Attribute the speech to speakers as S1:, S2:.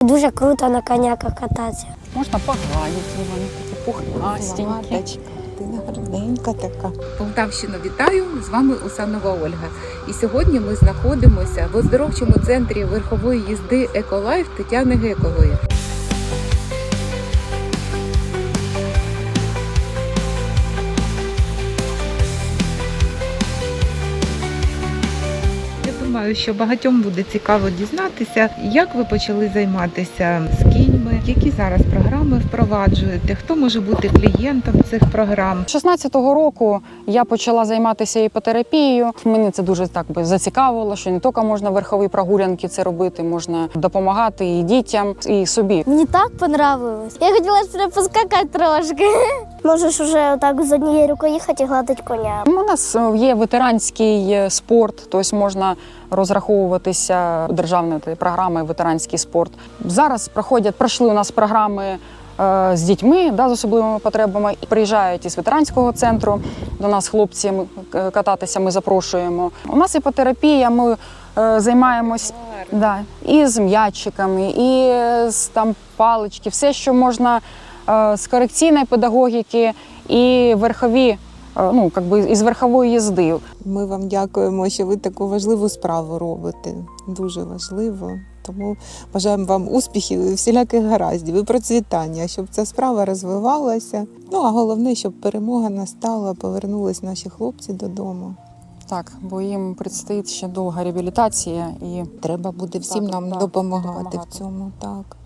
S1: дуже круто на коняках кататися.
S2: Можна погладити, вони такі пухнастенькі.
S3: Ладочка, ти гарненька така.
S4: Полтавщину вітаю! З вами Усанова Ольга. І сьогодні ми знаходимося в оздоровчому центрі верхової їзди «Еколайф» Тетяни Гекової. Я думаю, що багатьом буде цікаво дізнатися, як ви почали займатися з кіньми, які зараз програми впроваджуєте, хто може бути клієнтом цих програм.
S2: 16-го року я почала займатися іпотерапією. Мене це дуже так би зацікавило, що не тільки можна верхові прогулянки це робити, можна допомагати і дітям, і собі.
S1: Мені так понравилось. Я хотіла ще поскакати трошки. Можеш вже так з однією рукою їхати і гладити коня.
S2: У нас є ветеранський спорт, тобто можна розраховуватися державною програмою ветеранський спорт. Зараз пройшли у нас програми з дітьми з особливими потребами. Приїжджають із ветеранського центру до нас хлопці кататися, ми запрошуємо. У нас іпотерапія, ми займаємось і з м'ячиками, і з палички, все, що можна з корекційної педагогіки і верхові, із верхової їзди.
S3: Ми вам дякуємо, що ви таку важливу справу робите. Дуже важливо. Тому бажаємо вам успіхів і всіляких гараздів, і процвітання, щоб ця справа розвивалася. А головне, щоб перемога настала, повернулись наші хлопці додому.
S2: Так, бо їм предстоїть ще довга реабілітація. І
S3: Треба буде всім нам допомагати в цьому. Так.